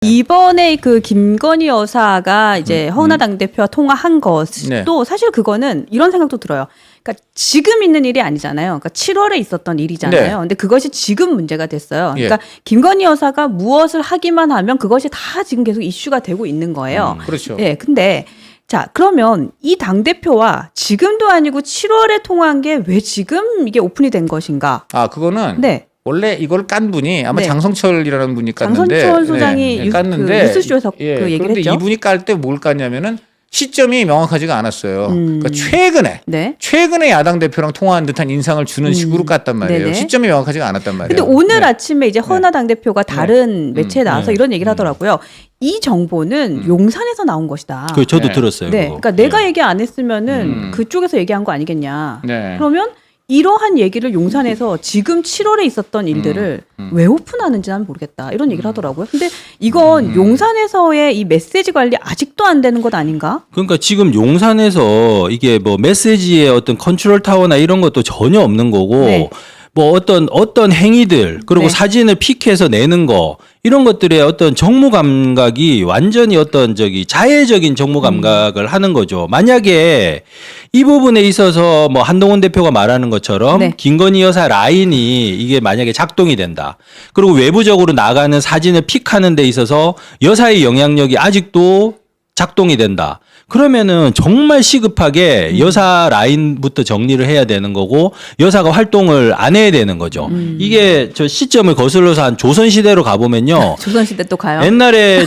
이번에 그 김건희 여사가 이제 허은하 당대표와 통화한 것도 네. 사실 그거는 이런 생각도 들어요. 그러니까 지금 있는 일이 아니잖아요. 그러니까 7월에 있었던 일이잖아요. 네. 근데 그것이 지금 문제가 됐어요. 예. 그러니까 김건희 여사가 무엇을 하기만 하면 그것이 다 지금 계속 이슈가 되고 있는 거예요. 그렇죠. 예. 근데 자, 그러면 이 당대표와 지금도 아니고 7월에 통화한 게 왜 지금 이게 오픈이 된 것인가? 아, 그거는 네. 원래 이걸 깐 분이 아마 네. 장성철이라는 분이 깠는데 장성철 소장이 깠는데 그 뉴스쇼에서 그 얘기를 그런데 했죠. 이분이 깔 때 뭘 깠냐면은 시점이 명확하지가 않았어요. 그러니까 네. 최근에 야당 대표랑 통화한 듯한 인상을 주는 식으로 깠단 말이에요. 네네. 시점이 명확하지가 않았단 말이에요. 근데 오늘 네. 아침에 이제 허은하 당대표가 다른 매체에 나와서 이런 얘기를 하더라고요. 이 정보는 용산에서 나온 것이다. 그 저도 네. 들었어요. 네. 그거. 그러니까 내가 얘기 안 했으면은 그쪽에서 얘기한 거 아니겠냐. 네. 그러면 이러한 얘기를 용산에서 지금 7월에 있었던 일들을 왜 오픈하는지 난 모르겠다. 이런 얘기를 하더라고요. 근데 이건 용산에서의 이 메시지 관리 아직도 안 되는 것 아닌가? 그러니까 지금 용산에서 이게 뭐 메시지의 어떤 컨트롤 타워나 이런 것도 전혀 없는 거고 네. 뭐 어떤 행위들 그리고 네. 사진을 픽해서 내는 거 이런 것들의 어떤 정무 감각이 완전히 어떤 자해적인 정무 감각을 하는 거죠. 만약에 이 부분에 있어서 뭐 한동훈 대표가 말하는 것처럼 네. 김건희 여사 라인이 이게 만약에 작동이 된다. 그리고 외부적으로 나가는 사진을 픽하는 데 있어서 여사의 영향력이 아직도 작동이 된다. 그러면은 정말 시급하게 여사 라인부터 정리를 해야 되는 거고 여사가 활동을 안 해야 되는 거죠. 이게 저 시점을 거슬러서 한 조선시대로 가보면요. 조선시대 또 가요. 옛날에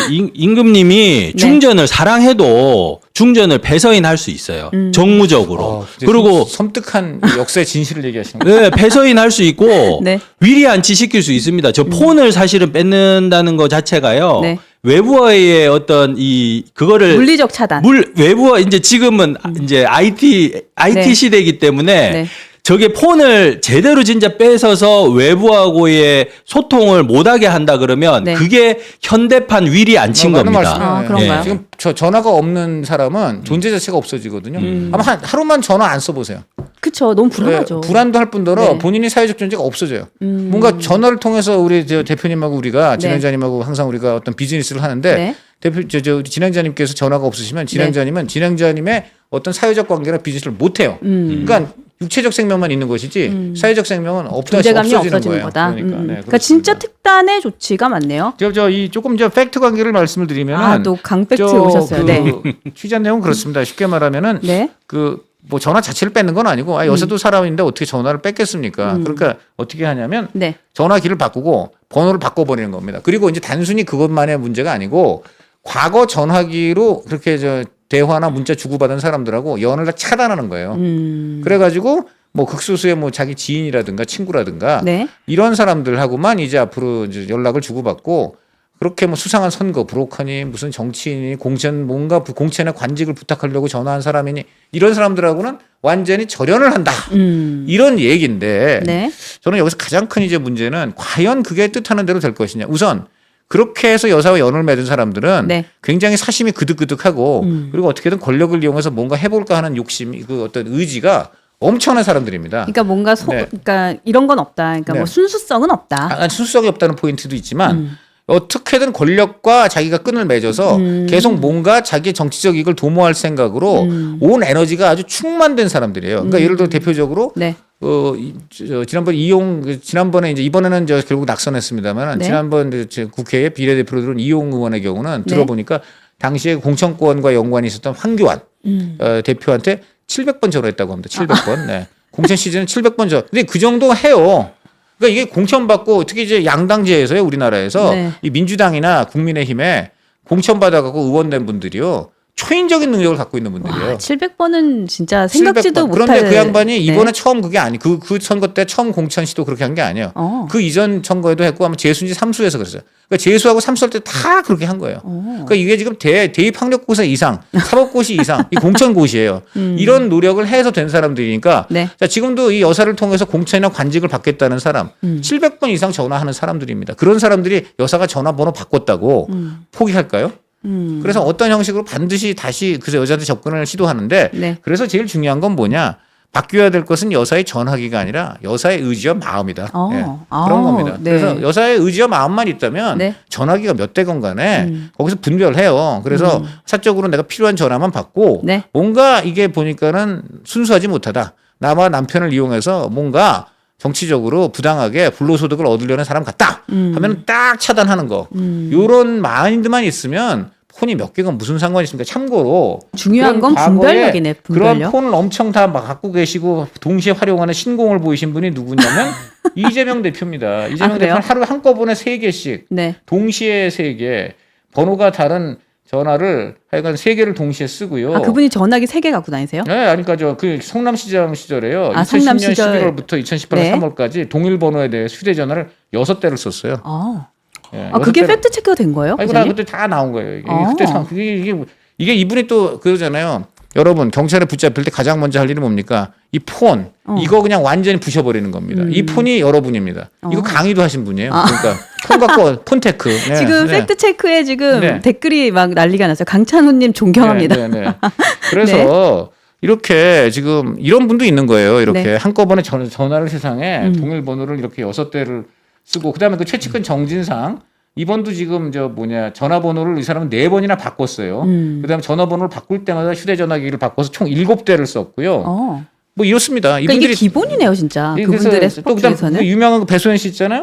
임금님이 중전을 사랑해도 중전을 배서인할 수 있어요. 정무적으로. 그리고 섬뜩한 역사의 진실을 얘기하시는 거예요. 네, 배서인할 수 있고 네. 위리안치 시킬 수 있습니다. 저 폰을 사실은 뺏는다는 것 자체가요. 네. 외부와의 어떤 그거를 물리적 차단. 외부와 이제 지금은 이제 IT 네. 시대이기 때문에 네. 저게 폰을 제대로 진짜 뺏어서 외부하고의 소통을 못하게 한다 그러면 네. 그게 현대판 위리 안친 맞는 겁니다. 말씀이에요. 아, 그런가요? 지금 전화가 없는 사람은 존재 자체가 없어지거든요. 아마 하루만 전화 안 써보세요. 그쵸. 너무 불안하죠. 네, 불안도 할 뿐더러 네. 본인이 사회적 존재가 없어져요. 뭔가 전화를 통해서 우리 저 대표님하고 우리가 네. 진행자님하고 항상 우리가 어떤 비즈니스를 하는데 네. 대표 우리 진행자님께서 전화가 없으시면 진행자님은 진행자님의 어떤 사회적 관계나 비즈니스를 못 해요. 그러니까 육체적 생명만 있는 것이지 사회적 생명은 존재감이 없어지는 없어지는 거예요. 거다. 그러니까, 네, 그러니까 진짜 특단의 조치가 많네요. 이 조금 팩트 관계를 말씀을 드리면 또 강팩트 오셨어요. 네. 취재 내용은 그렇습니다. 쉽게 말하면은 네. 뭐 전화 자체를 뺏는 건 아니고 여사도 사람인데 어떻게 전화를 뺏겠습니까? 그러니까 어떻게 하냐면 네. 전화기를 바꾸고 번호를 바꿔버리는 겁니다. 그리고 이제 단순히 그것만의 문제가 아니고 과거 전화기로 그렇게 대화나 문자 주고받은 사람들하고 연락을 차단하는 거예요. 그래가지고 뭐 극소수의 뭐 자기 지인이라든가 친구라든가 네. 이런 사람들하고만 이제 앞으로 이제 연락을 주고받고 그렇게 뭐 수상한 선거 브로커니 무슨 정치인이 뭔가 공천의 관직을 부탁하려고 전화한 사람이니 이런 사람들하고는 완전히 절연을 한다. 이런 얘기인데 네. 저는 여기서 가장 큰 이제 문제는 과연 그게 뜻하는 대로 될 것이냐. 우선 그렇게 해서 여사와 연을 맺은 사람들은 네. 굉장히 사심이 그득그득하고 그리고 어떻게든 권력을 이용해서 뭔가 해볼까 하는 욕심이 그 어떤 의지가 엄청난 사람들입니다. 그러니까 뭔가 네. 그러니까 이런 건 없다. 그러니까 네. 뭐 순수성은 없다. 순수성이 없다는 포인트도 있지만 어떻게든 권력과 자기가 끈을 맺어서 계속 뭔가 자기 정치적 이익을 도모할 생각으로 온 에너지가 아주 충만된 사람들이에요. 그러니까 예를 들어 대표적으로 네. 지난번에 이제 이번에는 결국 낙선했습니다만 네. 지난번 국회에 비례대표로 들어온 이용 의원의 경우는 네. 들어보니까 당시에 공천권과 연관이 있었던 황교안 대표한테 700번 전화했다고 합니다. 700번. 네. 공천 시즌은 700번 전화. 근데 그 정도 해요. 그러니까 이게 공천받고 특히 이제 양당제에서요 우리나라에서 네. 이 민주당이나 국민의힘에 공천받아갖고 의원된 분들이요 초인적인 능력을 갖고 있는 분들이에요. 700번은 진짜 생각지도 700번. 못할. 그런데 그 양반이 이번에 네. 처음 그게 아니 그 선거 때 처음 공천 시도 그렇게 한 게 아니에요. 그 이전 선거에도 했고 아마 재수인지 삼수에서 그랬어요. 그러니까 재수하고 삼수할 때 다 그렇게 한 거예요. 그러니까 이게 지금 대입 학력고사 이상, 사법고시 이상, 이 공천고시예요. 이런 노력을 해서 된 사람들이니까 네. 자, 지금도 이 여사를 통해서 공천이나 관직을 받겠다는 사람 700번 이상 전화하는 사람들입니다. 그런 사람들이 여사가 전화번호 바꿨다고 포기할까요? 그래서 어떤 형식으로 반드시 다시 그 여자한테 접근을 시도하는데 네. 그래서 제일 중요한 건 뭐냐? 바뀌어야 될 것은 여사의 전화기가 아니라 여사의 의지와 마음이다. 예, 그런 겁니다. 네. 그래서 여사의 의지와 마음만 있다면 네. 전화기가 몇 대건 간에 거기서 분별해요. 그래서 사적으로 내가 필요한 전화만 받고 네. 뭔가 이게 보니까는 순수하지 못하다. 나와 남편을 이용해서 뭔가 정치적으로 부당하게 불로소득을 얻으려는 사람 같다 하면 딱 차단하는 거. 이런 마인드만 있으면 폰이 몇 개가 무슨 상관이 있습니까? 참고로 중요한 그런 건 과거에 분별력이네. 분별력. 그런 폰을 엄청 다 막 갖고 계시고 동시에 활용하는 신공을 보이신 분이 누구냐면 이재명 대표입니다. 이재명 그래요? 대표는 하루에 한꺼번에 3개씩 네. 동시에 3개 번호가 다른 전화를 하여간 3개를 동시에 쓰고요. 아, 그분이 전화기 3개 갖고 다니세요? 네, 그러니까 그 성남시장 시절에요. 아, 2010년 성남 시절. 11월부터 2018년 네. 3월까지 동일 번호에 대해 휴대전화를 6대를 썼어요. 예, 그게 6대를. 팩트 체크가 된 거예요? 아이고 나 기자님? 그때 다 나온 거예요. 이게 아. 그때 이게 이분이 또 그러잖아요. 여러분 경찰에 붙잡힐 때 가장 먼저 할 일이 뭡니까? 이 폰 이거 그냥 완전히 부셔버리는 겁니다. 이 폰이 여러분입니다. 이거 강의도 하신 분이에요. 그러니까 폰 갖고 폰테크. 네, 지금 네. 팩트 체크에 지금 네. 댓글이 막 난리가 났어요. 강찬호님 존경합니다. 네, 네, 네. 그래서 이렇게 지금 이런 분도 있는 거예요. 이렇게 네. 한꺼번에 전화를 세상에 동일 번호를 이렇게 6대를 쓰고 그다음에 그 최측근 정진상 이번도 지금 전화번호를 이 사람은 4번이나 바꿨어요. 그다음에 전화번호를 바꿀 때마다 휴대전화기를 바꿔서 총 7대를 썼고요. 뭐 이렇습니다. 그러니까 이분들이 이게 기본이네요, 진짜. 그분들의 또 스포츠 그다음 중에서는. 그 유명한 그 배소연 씨 있잖아요.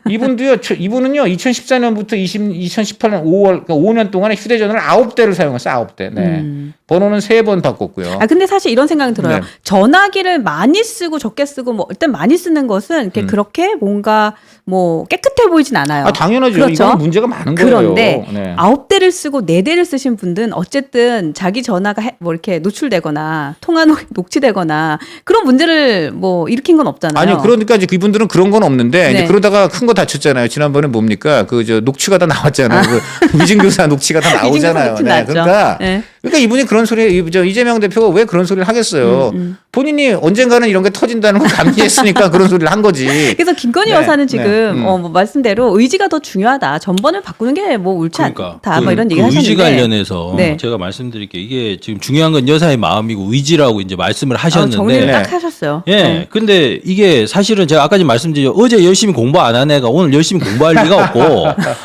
이분은요 2014년부터 2018년 5월 그러니까 5년 동안에 휴대전화를 9대를 사용했어요. 9대. 네. 번호는 3번 바꿨고요. 근데 사실 이런 생각이 들어요. 네. 전화기를 많이 쓰고 적게 쓰고 뭐 일단 많이 쓰는 것은 이렇게 그렇게 뭔가 뭐 깨끗해 보이진 않아요. 당연하죠. 그렇죠? 이건 문제가 많은 거예요. 그런데 네. 9대를 쓰고 4대를 쓰신 분들은 어쨌든 자기 전화가 뭐 이렇게 노출되거나 통화 녹취되거나 그런 문제를 뭐 일으킨 건 없잖아요. 아니요. 그러니까 이제 이분들은 그런 건 없는데 네. 이제 그러다가 큰 거 다쳤잖아요. 지난번에 뭡니까? 녹취가 다 나왔잖아요. 그 위증교사 녹취가 다 나오잖아요. 녹취 네. 났죠. 그러니까 네. 이분이 그런 이재명 대표가 왜 그런 소리를 하겠어요. 본인이 언젠가는 이런 게 터진다는 걸 감지했으니까 그런 소리를 한 거지. 그래서 김건희 네. 여사는 지금 네. 뭐 말씀대로 의지가 더 중요하다. 전번을 바꾸는 게 뭐 옳지 않다. 뭐 이런 얘기 하셨는데. 의지 관련해서 네. 제가 말씀드릴게요. 이게 지금 중요한 건 여사의 마음이고 의지라고 이제 말씀을 하셨는데. 정리를 네. 딱 하셨어요. 예. 근데 이게 사실은 제가 아까 말씀드렸죠. 어제 열심히 공부 안 한 애가 오늘 열심히 공부할 리가 없고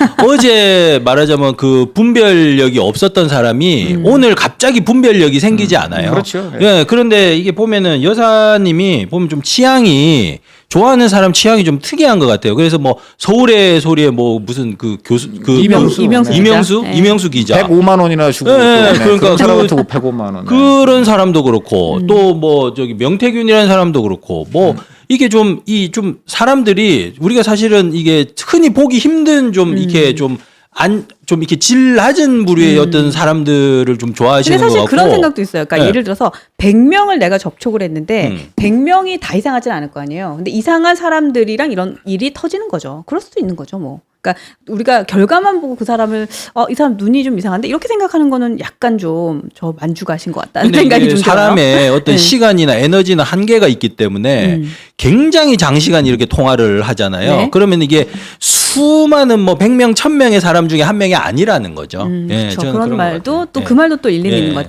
어제 말하자면 그 분별력이 없었던 사람이 오늘 갑자기 분별력이 생기지 않아요. 그렇죠. 네. 예. 그런데 이게 보면은 여사님이 보면 좀 취향이 좋아하는 사람 취향이 좀 특이한 것 같아요. 그래서 뭐 서울의 소리에 뭐 무슨 그 교수 그 이명수. 이명수 기자 105만 원이나 주고 네, 또, 그러니까 그런 사람한테 105만 원. 그런 사람도 그렇고 또 뭐 저기 명태균이라는 사람도 그렇고 뭐 이게 좀 사람들이 우리가 사실은 이게 흔히 보기 힘든 좀 이렇게 좀 이렇게 질 낮은 부류의 어떤 사람들을 좀 좋아하시는 근데 것 사실 같고. 그런 생각도 있어요. 그러니까 네. 예를 들어서 100명을 내가 접촉을 했는데 100명이 다 이상하진 않을 거 아니에요. 근데 이상한 사람들이랑 이런 일이 터지는 거죠. 그럴 수도 있는 거죠, 뭐. 그러니까 우리가 결과만 보고 그 사람을 이 사람 눈이 좀 이상한데 이렇게 생각하는 거는 약간 좀 저 만주가신 것 같다는 근데 생각이 이게 좀 들어요. 사람의 어떤 네. 시간이나 에너지나 한계가 있기 때문에 굉장히 장시간 이렇게 통화를 하잖아요. 네. 그러면 이게 수많은 뭐 100명, 1000명의 사람 중에 한 명이 아니라는 거죠. 예, 그렇죠. 저는 그런 것 말도 같아요. 또 예. 그 말도 또 일리는 예. 있는 것